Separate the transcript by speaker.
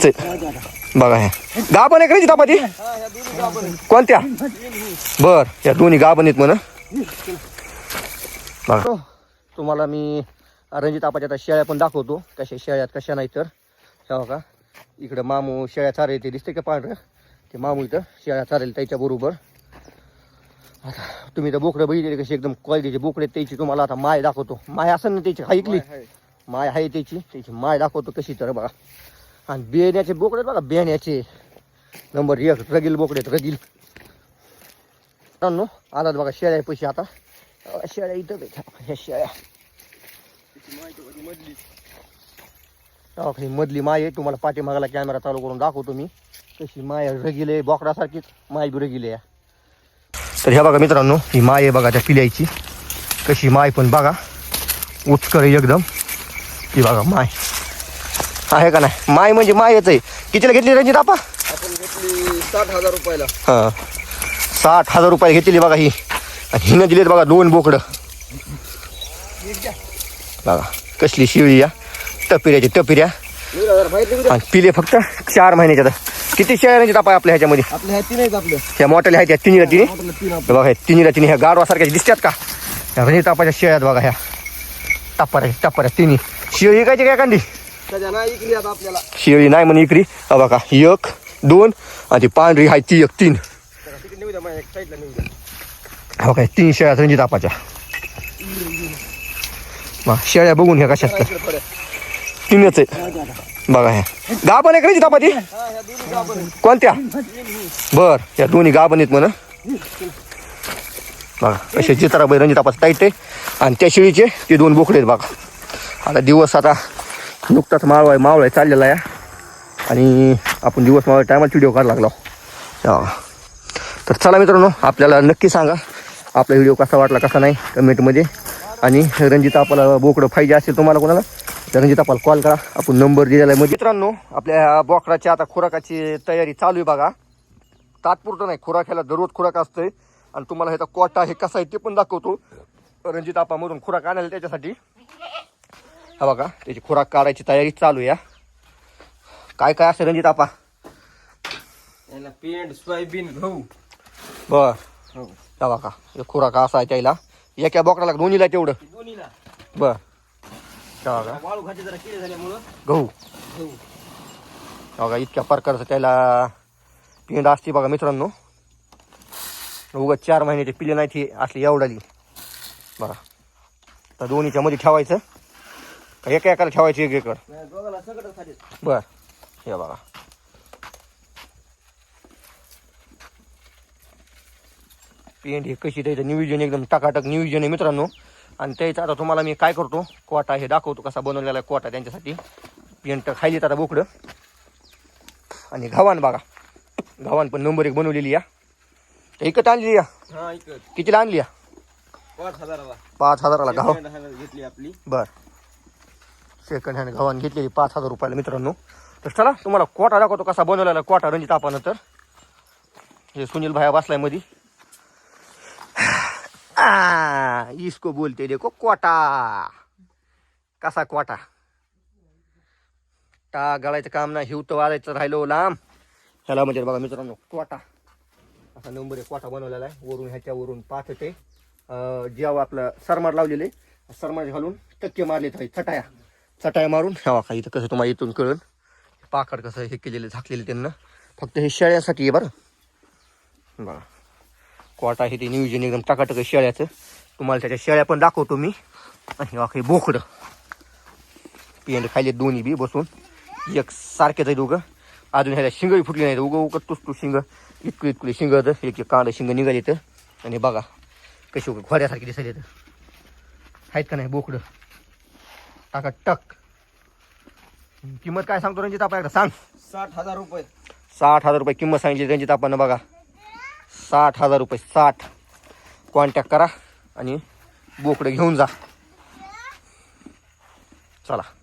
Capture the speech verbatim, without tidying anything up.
Speaker 1: बघा ह्या गाभण आहे का तापाची कोणत्या बर या दोन्ही गाभण आहेत म्हणा. बघा तुम्हाला मी रणजित आपाच्या आता शेळ्या पण दाखवतो कशा शेळ्यात कशा नाही तर तेव्हा का इकडं मामू शेळ्या चारे ते दिसते का पांढरं ते मामू इथं शेळ्या चारेल त्याच्याबरोबर. आता तुम्ही तर बोकडं बघितले कशी एकदम क्वालिटीचे बोकडे त्याची तुम्हाला आता माय दाखवतो. माय असं ना त्याची ऐकली माय आहे त्याची त्याची माय दाखवतो कशी तर बघा. आणि बेण्याचे बोकडे बघा बेण्याचे नंबर एक रगील बोकडे रगील नो आलात बघा शेळ्या पैसे आता शेळ्या इथं ह्या शेळ्या मधली मधली माय आहे. तुम्हाला पाठीमागाला कॅमेरा चालू करून दाखवतो मी कशी माय रगील आहे बोकडासारखीच माय बी रगील आहे. तर ह्या बघा मित्रांनो ही माय आहे बघा त्या पिल्याची कशी माय पण बघा उचकर एकदम ती बघा माय आहे का नाही. माय म्हणजे मायच आहे. कितीला घेतली रणजित आपा
Speaker 2: आपण घेतली साठ हजार रुपयाला.
Speaker 1: हां साठ हजार रुपये घेतली बघा ही आणि हिनं दिलेत बघा दोन बोकडं बघा कसली शिळी या टपिऱ्याची टपिऱ्या आणि पिले फक्त चार महिन्याच्या. किती शेळ्या रणजित आपा आपल्या ह्याच्यामध्ये
Speaker 2: आपल्या ह्या तीन आहेत आपल्या
Speaker 1: ह्या मोठ्याला आहेत ह्या तिन्हीला तिन्ही बघा ह्या तिन्हीला तिन्ही ह्या गाडवासारख्या दिसतात का ह्या रणजित आपाच्या शेळ्यात बघा ह्या टप्पाऱ्या टप्पाऱ्या तिन्ही शिळी काय काय कांदी
Speaker 2: आपल्याला
Speaker 1: शेळी नाही म्हणे इकरी बघा एक दोन आणि ती पांढरी आहे ती एक तीन हो काय तीन शेळ्या रणजित आपाच्या. शेळ्या बघून ह्या कशात तर तीनच आहे बघा ह्या गाभण आहे का रणजित आपाची कोणत्या बर या दोन्ही गाभण आहेत म्हणा. बघा कसे चित्राबाई रणजित आपाचं टाईट आहे आणि त्या शेळीचे ते दोन बोकडे आहेत बघा. आता दिवस आता नुकताच मावळ मावळ चाललेला आहे आणि आपण दिवस मावळ टायमाला व्हिडिओ काढायला लागलो. तर चला मित्रांनो आपल्याला नक्की सांगा आपला व्हिडिओ कसा वाटला कसा नाही कमेंटमध्ये. आणि रणजित आपल्याला बोकडं पाहिजे असेल तुम्हाला कोणाला तर रणजित आपल्याला कॉल करा आपण नंबर दिलेला आहे. म्हणजे मित्रांनो आपल्या बोकडाची आता खुराकाची तयारी चालू आहे बघा. तात्पुरतं नाही खुराक ह्याला दररोज खुराक असतंय आणि तुम्हाला ह्याचा कोटा हे कसा आहे ते पण दाखवतो. रणजित आपामधून खुराक आणायला त्याच्यासाठी हा बघा त्याची खुराक काढायची तयारी चालू आहे. काय काय असं रणजित आपा
Speaker 2: पेंड सोयाबीन गहू
Speaker 1: बर हा बघा हे खुराक असा आहे त्याला एका बोकडाला दोन्हीला तेवढं
Speaker 2: दोन्हीला
Speaker 1: बर बघा
Speaker 2: वाळू खाते जरा किडे झाल्यामुळं
Speaker 1: गहू
Speaker 2: गहू
Speaker 1: बघा इतक्या प्रकारचं त्याला पेंड असते बघा मित्रांनो. उगाच चार महिन्याचे पिले नाही ती असली एवढाली बघा. तर दोन्हीच्या मध्ये ठेवायचं का एका एकाला ठेवायचं एक एकर बर हे बघा. पेंड हे कशी त्याचं नियोजन एकदम टाकाटक नियोजन आहे मित्रांनो. आणि त्याचं आता तुम्हाला मी काय करतो कोटा हे दाखवतो कसा बनवलेला आहे कोटा त्यांच्यासाठी. पेंट खायली आता बोकडं आणि गव्हाण बघा गव्हाण पण नंबर एक बनवलेली या एकच आणली या कितीला आणली या
Speaker 2: पाच हजाराला
Speaker 1: पाच हजाराला गव्हा
Speaker 2: घेतली आपली
Speaker 1: बर सेकंड हँड गव्हाण घेतलेली पाच हजार रुपयाला मित्रांनो. तर चला तुम्हाला कोटा दाखवतो कसा बनवलेला कोटा रणजित आपानं. तर हे सुनील भाया बसलाय मध्ये आ इसको बोलते देखो कोटा कसा कोटा टा गळायचं काम नाही हिवतं वाजायचं राहिलो लांब ह्याला म्हणजे बघा मित्रांनो कोटा असा नंबर एक कोटा बनवलेला आहे. वरून ह्याच्यावरून पाच ते जेव्हा आपलं सरमाड लावलेले सरमाड घालून टक्के मारले तर चटाया चटाया मारून ह्या का इथं कसं तुम्हाला इथून कळून पाकड कसं हे केलेलं झाकलेलं त्यांना फक्त हे शेळ्यासाठी आहे बरं बघा. कोटा हे ते नियोजन एकदम टाकाटक शेळ्याचं तुम्हाला त्याच्या शेळ्या पण दाखवतो मी. आणि काही बोकडं पेंड खायले दोन्ही बी बसून एक सारखेच आहे दोघं. अजून ह्याला शिंगही फुटली नाही उगं उगं तुस तू शिंग इतकं इतकली शिंग एक एक कांदा शिंग निघाले तर. आणि बघा कशी घोड्यासारखी दिसायला तर आहेत का नाही बोकडं टाकाटक. किंमत काय सांगतो रणजित आपल्याकडे सांग.
Speaker 2: साठ हजार रुपये
Speaker 1: साठ हजार रुपये किंमत सांगितली रणजित आपण बघा. साठ हजार रुपये साठ कॉन्टॅक्ट करा आणि बोकडं घेऊन जा. चला